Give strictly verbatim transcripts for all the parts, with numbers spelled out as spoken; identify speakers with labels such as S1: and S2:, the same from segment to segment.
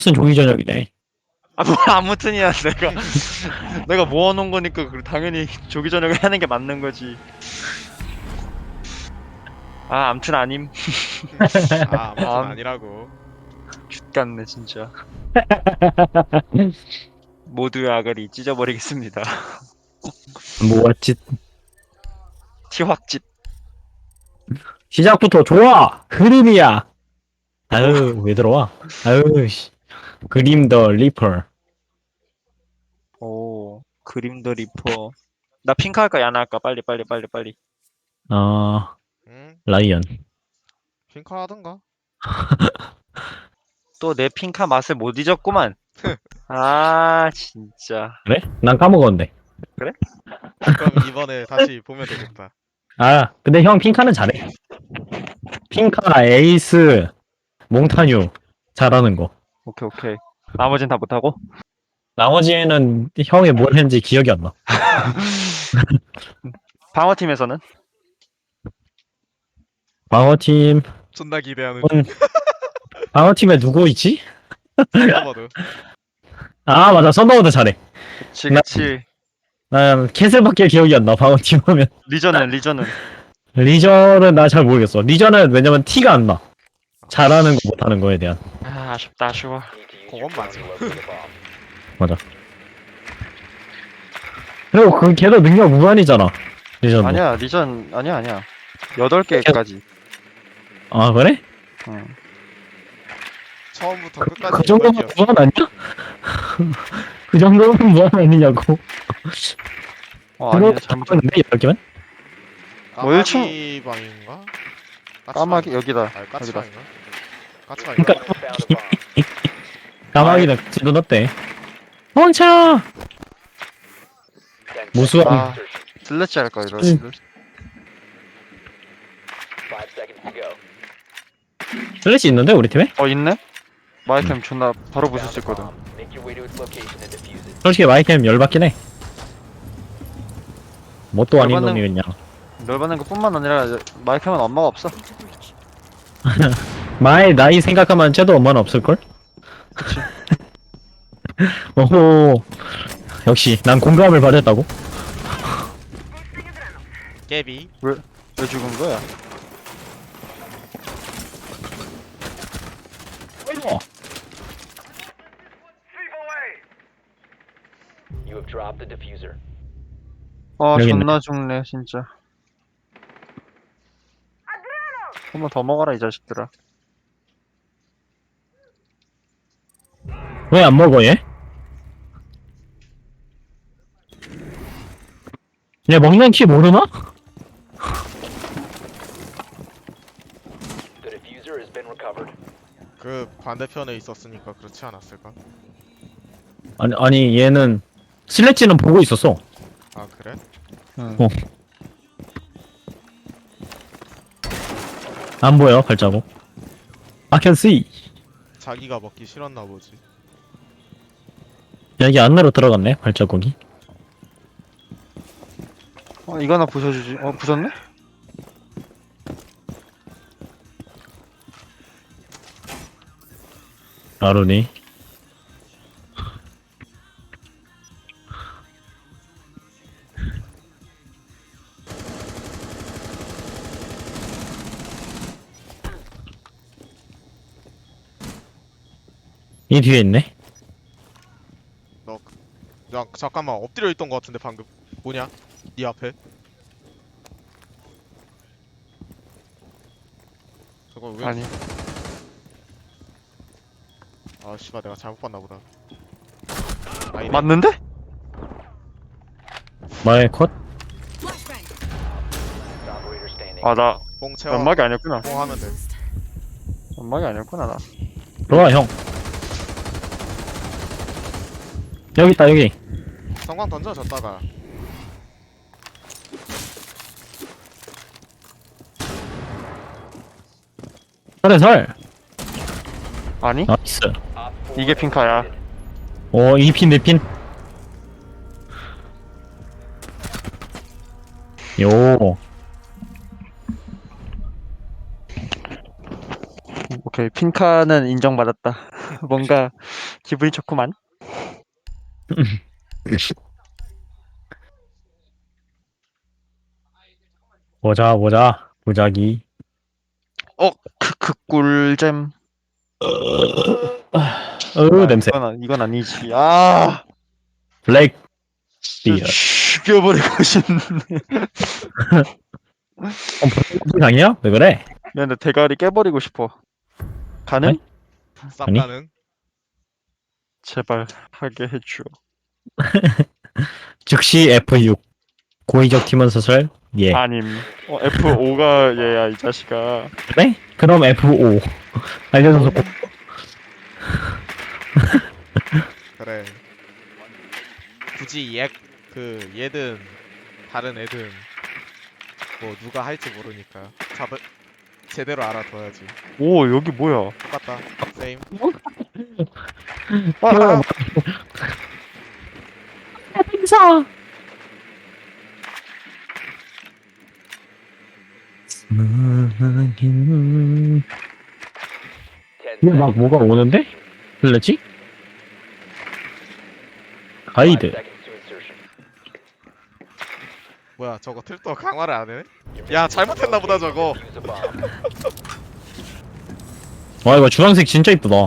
S1: 무슨 조기 저녁이네.
S2: 아, 뭐 아무튼이야. 내가 내가 모아놓은 거니까 그 당연히 조기 저녁을 하는 게 맞는 거지. 아, 암튼 아님.
S3: 아 아무튼
S2: 암.
S3: 아니라고.
S2: X같네 진짜. 모두의 아가리 찢어버리겠습니다.
S1: 뭐였지?
S2: 티확집.
S1: 시작부터 좋아. 흐름이야. 아유 왜 들어와? 아유 씨. 그림 더 리퍼.
S2: 오, 그림 더 리퍼. 나 핑크 할까 야나 할까? 빨리 빨리 빨리 빨리.
S1: 아
S3: 응?
S1: 라이언.
S3: 핑크 하던가.
S2: 또 내 핑카 맛을 못 잊었구만. 아, 진짜.
S1: 그래? 난 까먹었는데.
S2: 그래?
S3: 그럼 이번에 다시 보면 되겠다.
S1: 아 근데 형 핑카는 잘해. 핑카, 에이스, 몽타뉴 잘하는 거.
S2: 오케이 오케이. 나머진 다 못하고?
S1: 나머지는 형이 뭘 했는지 기억이 안 나.
S2: 방어팀에서는?
S1: 방어팀,
S3: 존나 기대하는
S1: 음, 방어팀에 누구 있지?
S3: 썬더버드.
S1: 아 맞아 썬더보드 잘해.
S2: 그치
S1: 나-
S2: 그치.
S1: 난 캐슬밖에 기억이 안 나. 방어팀 하면.
S2: 리전은 리전은.
S1: 리전은 나 잘 모르겠어. 리전은 왜냐면 티가 안 나. 잘하는 거 못하는 거에 대한.
S2: 아, 아쉽다 아쉬워.
S3: 그건 맞아.
S1: 맞아. 그리고 그 걔도 능력 무한이잖아. 리전도.
S2: 아니야 리전 아니야 아니야. 여덟 개까지.
S1: 아 그래?
S2: 응.
S3: 처음부터
S1: 그,
S3: 끝까지
S1: 그 정도면
S3: 여덟 개였어.
S1: 무한 아니야? 그 정도면 무한 아니냐고.
S2: 어
S1: 그거
S2: 아니야 잘못.
S1: 잡았는데 여덟 개면?
S2: 뭐 일 층-
S3: 까마귀 방인가?
S2: 까마귀 여기다.
S3: 아
S2: 여기다.
S3: 까치방인가? 까치방인가?
S1: 그러니까 까마귀는 지도 넣었대. 멍쳐! 무수한
S2: 아, 슬래치 할까 이러.
S1: 응. 슬래시 있는데 우리 팀에?
S2: 어 있네? 마이캠 존나 바로 부술 수 있거든.
S1: 솔직히 마이캠 열받긴 해. 뭣도 아닌
S2: 열받는-
S1: 놈이 그냥.
S2: 열받는 것뿐만 아니라 마이캠은 엄마가 없어.
S1: 마의 나이 생각하면 쟤도 엄마는 없을걸?
S2: 그치.
S1: 오호. 역시 난 공감을 받았다고?
S3: 깨비.
S2: 왜 죽은 거야?
S4: You have dropped the diffuser.
S2: 아
S1: 여기 있네.
S2: 존나 죽네 진짜. 한 번 더 먹어라 이 자식들아.
S1: 왜 안 먹어 얘? 얘 먹는 키 모르나?
S4: The diffuser has been recovered.
S3: 그 반대편에 있었으니까 그렇지 않았을까?
S1: 아니 아니 얘는 슬래지는 보고 있었어.
S3: 아 그래?
S2: 응.
S1: 어. 안 보여 발자국. I can see.
S3: 자기가 먹기 싫었나 보지.
S1: 여기 안으로 들어갔네 발자국이.
S2: 어 이거 하나 부숴주지. 어 부쉈네?
S1: 아루니. 이 뒤에 있네.
S3: 너, 그- 야 잠깐만 엎드려 있던 것 같은데 방금. 뭐냐? 네 앞에. 저거 왜?
S2: 아니.
S3: 아 씨발 내가 잘못 봤나 보다. 아니네.
S2: 맞는데?
S1: 마의 컷.
S4: Operator standing.
S2: 아 나
S3: 뽕 채워.
S2: 연막이 아니었구나.
S3: 뽕 하면 돼.
S2: 연막이 아니었구나 나.
S1: 들어와 형. 여기 있다 여기.
S3: 성광 던져 줬다가.
S1: 설에 설.
S2: 아니?
S1: 나이스.
S4: Op four
S2: 이게 핑카야.
S4: eliminated.
S1: 오 이 핀 내 핀. 요.
S2: 오케이 핑카는 인정받았다. 뭔가 기분이 좋구만.
S1: 보자 보자 보자기.
S2: 어, 크크 꿀잼.
S1: 어
S2: 아,
S1: 냄새.
S2: 이건, 아- 이건 아니지. 아,
S1: 블랙
S2: 진짜
S1: 비어.
S2: 죽여버리고 싶네.
S1: 어, 불쌍이야? 왜 그래?
S2: 미안해, 대가리 깨버리고 싶어. 가능?
S1: 아니?
S3: 쌉
S1: 아니?
S3: 가능.
S2: 제발 하게 해줘.
S1: 즉시 에프 육. 고의적 팀원 소설. 예.
S2: 아님. 어, 에프 오가 얘야 이 자식아.
S1: 그래? 그럼 에프 오. 알려줘서 고...
S3: 그래. 굳이 얘, 그 얘든 다른 애든 뭐 누가 할지 모르니까 잡을 제대로 알아둬야지.
S2: 오, 여기 뭐야?
S3: 똑같다. 세임.
S2: 아, 아,
S1: 행사.
S4: Ten
S1: 이게 막
S4: seconds.
S1: 뭐가 오는데? 들렸지?
S4: Five
S1: 가이드.
S4: seconds to insertion.
S3: 뭐야 저거 틀도 강화를 안 해?
S4: Your
S3: 야,
S4: mission is to
S3: 잘못했나 보다,
S4: locate
S3: 저거.
S4: and defuse a bomb.
S1: 와 이거 주황색 진짜 이쁘다.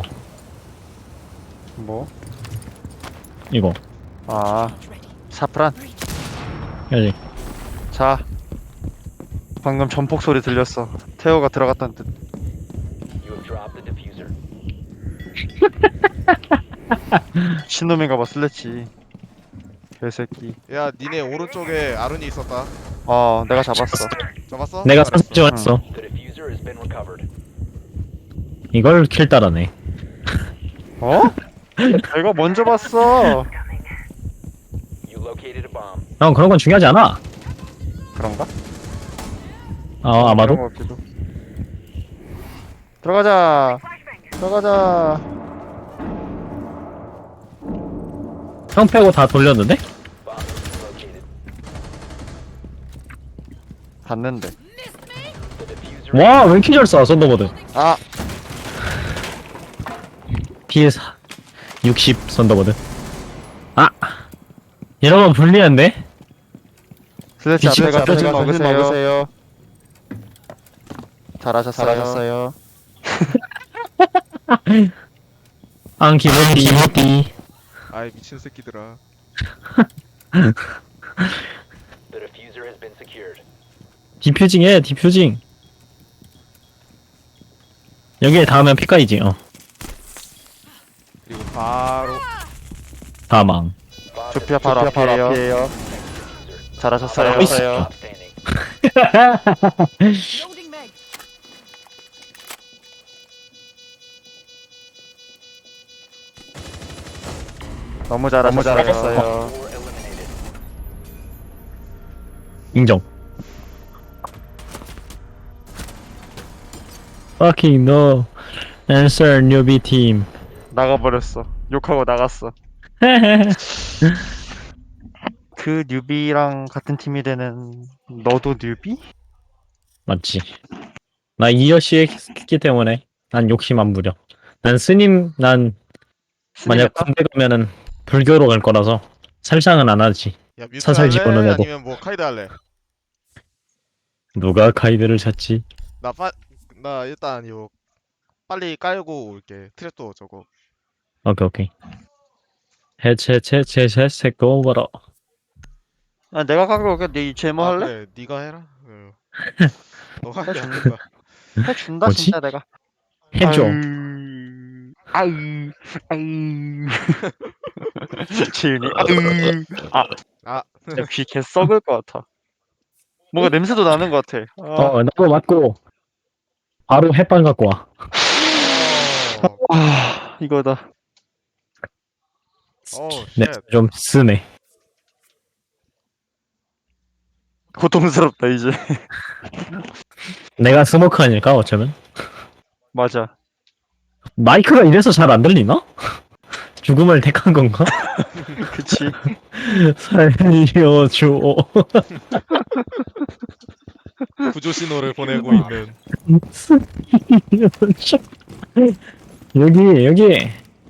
S2: 뭐?
S1: 이거.
S2: 아, 사프란.
S1: 여기.
S2: 자, 방금 전폭 소리 들렸어. 태호가 들어갔다는 뜻.
S4: You have dropped the diffuser.
S2: 신놈인가 봐, 슬래치. 개새끼.
S3: 야 니네 오른쪽에 아룬이 있었다.
S2: 어, 내가 잡았어.
S3: 잡았어?
S1: 내가
S3: 잘했어.
S1: 사진 찍었어.
S4: The diffuser has been recovered.
S1: 이걸 킬 따라네.
S2: 어? 내가 먼저 봤어.
S4: You located a bomb.
S1: 형 그런 건 중요하지 않아.
S2: 그런가?
S1: 어 아마도.
S2: 그런 것 같기도. 들어가자. 들어가자.
S1: 형 빼고 다 돌렸는데?
S4: Bomb has been located.
S2: 봤는데.
S4: The diffuser.
S1: 와 왜 이렇게 잘 쏴 썬더버드.
S2: 아,
S1: 피에스 육십 썬더버드. 아 이러면 불리한데?
S2: 슬래치
S1: 미친
S2: 앞에 가서
S1: 앞에
S2: 힐
S1: 가서 힐
S2: 먹으세요. 잘하셨어요. 잘하셨어요.
S1: 안 기모띠 기모띠.
S3: 아이 미친 새끼들아.
S4: The diffuser has been secured.
S1: 디퓨징해 디퓨징. 여기에 닿으면 피까이지. 어
S3: 그리고 바로
S1: 다망.
S4: Bomb
S2: 조피아
S4: has
S2: 바로
S4: been
S2: 앞이에요.
S4: diffuser.
S2: 잘하셨어요.
S1: 잘하고
S4: Outstanding.
S5: Loading mag.
S2: 너무 잘하셨어요. 잘하셨어요.
S4: Four eliminated.
S1: 인정. Fucking no. Answer newbie team.
S2: 나가버렸어. 욕하고 나갔어. 그 뉴비랑 같은 팀이 되는 너도 뉴비?
S1: 맞지. 나 이여시 했기 때문에 난 욕심 안 부려. 난 스님 난 만약
S2: 스님했다?
S1: 군대 가면은 불교로 갈 거라서 살상은 안 하지.
S3: 야 뮤트
S1: 사살
S3: 할래?
S1: 집어넣어도.
S3: 아니면 뭐 카이드 할래?
S1: 누가 카이드를 찾지?
S3: 나 빠, 나 일단 요 빨리 깔고 올게. 트랩도 저거.
S1: 오케이 오케이. 해체체체체 새거 봐라.
S2: 아, 내가 갖고 올게. 네 제모
S3: 아,
S2: 할래?
S3: 그래, 네가 해라. 응. 너가 하게 안 된다.
S2: 해준다
S1: 뭐지?
S2: 진짜 내가.
S1: 해줘.
S2: 아유, 아유, 아유. 지은이. 아유. 아,
S3: 아,
S2: 진짜 귀 개 썩을 것 같아. 뭔가 냄새도 나는 것 같아. 아,
S1: 어 나도 맞고 바로 햇반 갖고 와.
S3: 어,
S2: 아, 이거다.
S3: 어,
S1: 네,
S3: 쉣.
S1: 좀 쓰네.
S2: 고통스럽다 이제.
S1: 내가 스모크 아닐까 어쩌면?
S2: 맞아.
S1: 마이크가 이래서 잘 안 들리나? 죽음을 택한 건가?
S2: 그치.
S1: 살려줘.
S3: 구조 신호를 보내고 있는.
S1: 살려줘. 여기 여기.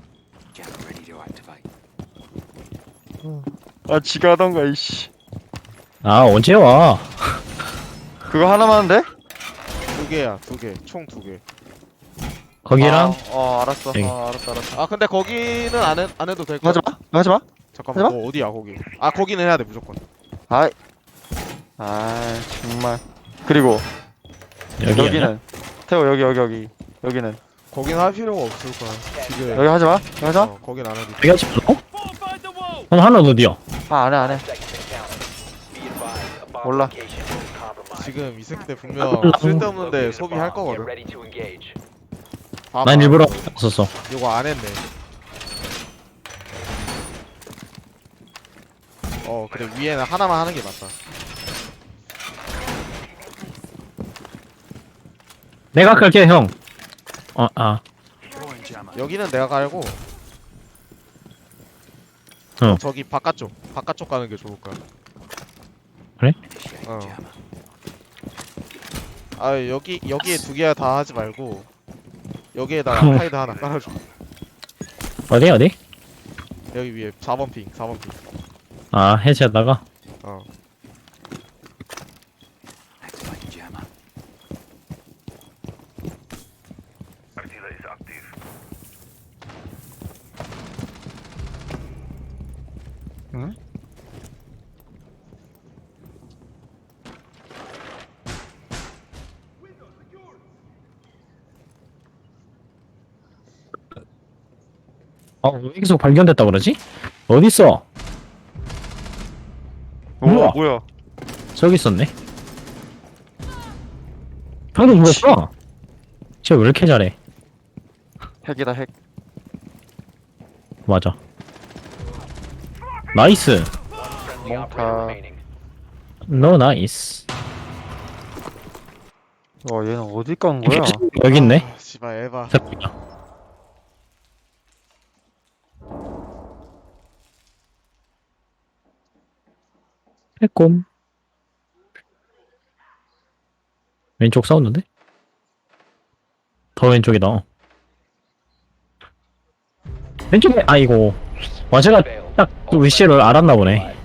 S2: 아 지가 하던가 이씨.
S1: 아 언제 와?
S2: 그거 하나만 하는데?
S3: 두 개야, 두 개. 총 두 개.
S1: 거기랑
S2: 아, 어 알았어.
S1: 여기.
S2: 어 알았어 알았어.
S3: 아, 근데 거기는 안, 해, 안 해도 될 거야.
S2: 하지 마. 하지 마.
S3: 잠깐만,
S2: 하지
S3: 너 어디야, 거기? 아, 거기는 해야 돼, 무조건.
S2: 아이. 아 정말. 그리고
S1: 여기
S2: 여기는 태호 여기 여기 여기 여기는
S3: 거긴 할 필요가 없을 거야. 지금.
S2: 여기 하지 마. 여기 하지 마.
S3: 어, 거긴 안 해도 돼.
S1: 여기 하지 말고? 그럼 하나 어디야?
S2: 아 안해 안해.
S4: Seconds and counting. Be advised, a bomb
S2: 몰라.
S4: location is compromised.
S3: 지금 이 새끼들 분명 쓸데없는데
S4: Located a
S3: 소비할
S4: bomb. Get
S3: 거거든.
S4: ready to engage.
S3: 봐봐.
S1: 난 일부러 썼어.
S3: 이거 안 했네. 어, 그래. 위에는 하나만 하는 게 맞다.
S1: 내가 갈게 형. 어 아.
S3: 여기는 내가 갈고.
S1: 어.
S3: 저기 바깥쪽. 바깥쪽 가는 게 좋을 거야.
S1: 그래?
S3: 어. 아, 여기 여기에 두 개 다 하지 말고 여기에다가 카이드 하나 깔아줘.
S1: 어디 어디?
S3: 여기 위에 사 번 핑, 사 번 핑.
S1: 아 해체하다가.
S3: 어.
S2: 응?
S1: 어왜 계속 발견됐다 그러지? 어디 있어?
S2: 우와
S1: 우와.
S2: 뭐야?
S1: 저기 있었네. 방금 죽었어. 쟤 왜 이렇게 잘해?
S2: 핵이다 핵.
S1: 맞아. 나이스.
S4: Friendly operator
S2: 몽타.
S4: remaining.
S1: 너 나이스.
S2: 와 얘는 어디 간 거야?
S1: 여기 있네.
S3: 아, 씨발 에바.
S1: 빼꼼. 왼쪽 싸웠는데? 더 왼쪽이다. 어. 왼쪽에 아이고. 와 제가 딱그 위치를 알았나 보네.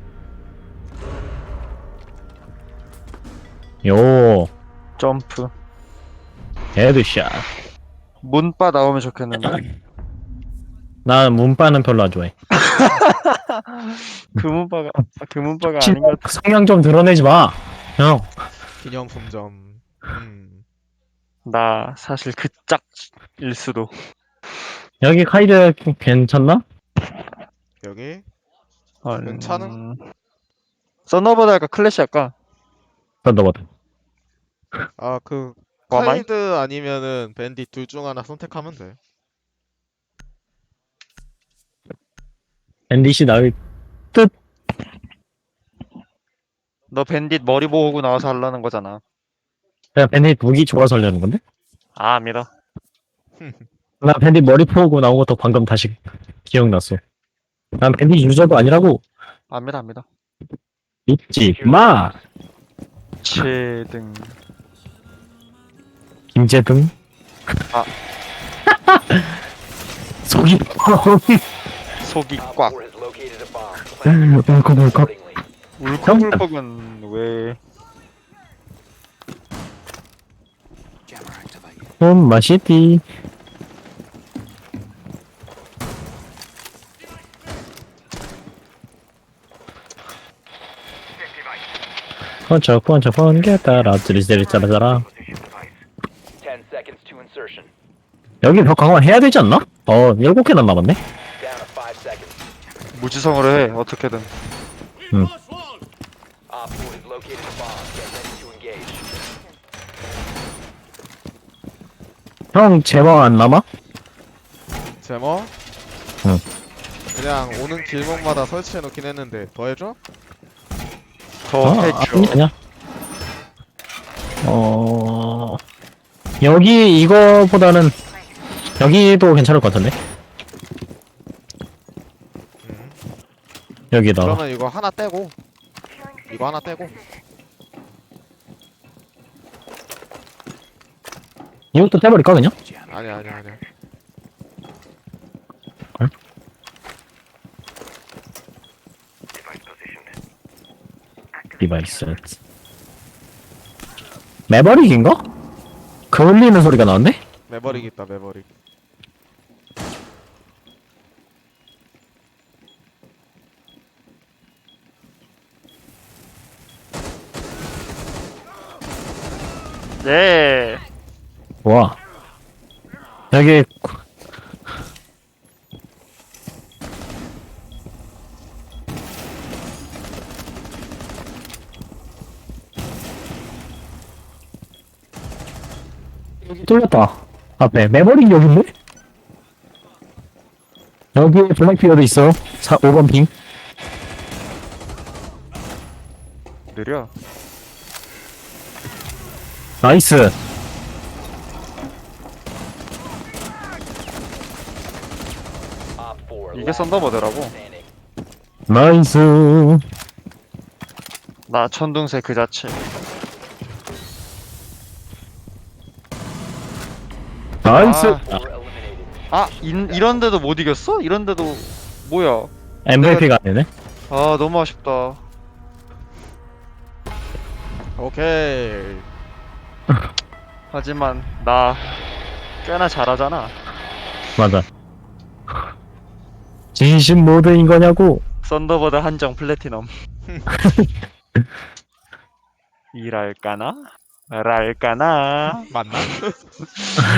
S1: 요
S2: 점프.
S1: 헤드샷.
S2: 문바 나오면 좋겠는데.
S1: 나 문바는 별로 안 좋아해.
S2: 그 문바가 아, 그 문바가 아닌 것 같아.
S1: 성향 좀 드러내지 마. 형.
S3: 기념품점. 음.
S2: 나 사실 그 짝일 수도.
S1: 여기 카이드 괜찮나?
S3: 여기
S2: 아,
S3: 괜찮음?
S2: 썬더버드 할까 클래시 할까?
S1: 썬더버드.
S3: 아, 그
S2: 와마이?
S3: 카이드 아니면은 밴딧 둘 중 하나 선택하면 돼.
S1: 밴딧이 나을
S2: 너 밴딧 머리 모으고 나와서 하려는 거잖아.
S1: 그냥 밴딧 무기 좋아서 하려는 건데?
S2: 아 믿어.
S1: 나 밴딧 머리 포고 나온 것도 방금 다시 기억났어. 난 밴딧 유저도 아니라고.
S2: 안 믿어 안 믿어.
S1: 믿지 마.
S2: 최등.
S1: 김재등.
S2: 아.
S1: 속이
S2: 속이
S4: Op
S2: 꽉.
S4: four has located a bomb. Plan your
S1: 울컥 울컥.
S4: accordingly.
S2: 울컥울컥은 왜?
S1: 음 맛있디. 번쩍 번쩍 번개 따라 찌리찌리 짜라짜라.
S4: Ten seconds to insertion.
S1: 여기 벽 강화 해야 되지 않나? 어 일곱 개나 남았네.
S4: Down to five seconds.
S2: 무지성으로 해 어떻게든.
S4: Op four has located a bomb. Get ready to engage.
S1: 형 제방 안 남아?
S3: 제모?
S1: 응.
S3: 그냥 오는 길목마다 설치해 놓긴 했는데 더 해줘?
S2: 더
S1: 어,
S2: 해줘.
S1: 아니, 아니야. 어 여기 이거보다는 여기도 괜찮을 것 같은데.
S3: 음.
S1: 여기다가
S3: 그러면 이거 하나 떼고 이거 하나 떼고
S1: 이것도 떼버릴까 그냥?
S3: 아니야 아니야 아니야
S1: 디바이스. 매버릭인가? 그을리는 소리가 나는데?
S3: 매버릭 있다 매버릭.
S2: 네.
S1: 와. 여기 여기 뚫렸다. 앞에 매버릭 여기인데? 여기 블랙피어도 있어. 사, 오 번 핑.
S2: 느려.
S1: 나이스.
S4: Op four.
S2: 이게
S4: last
S2: 썬더버드라고.
S4: standing.
S1: 나이스.
S2: 나 천둥새 그 자체.
S1: 나이스.
S2: 아.
S4: Four eliminated.
S2: 아, 인, 이런데도 못 이겼어? 이런데도 뭐야?
S1: 엠브이피가 아니네.
S2: 아, 너무 아쉽다.
S3: 오케이.
S2: 하지만 나 꽤나 잘하잖아.
S1: 맞아. 진심 모드인 거냐고.
S2: 썬더버드 한정 플래티넘. 이랄까나? 말할까나?
S3: 맞나?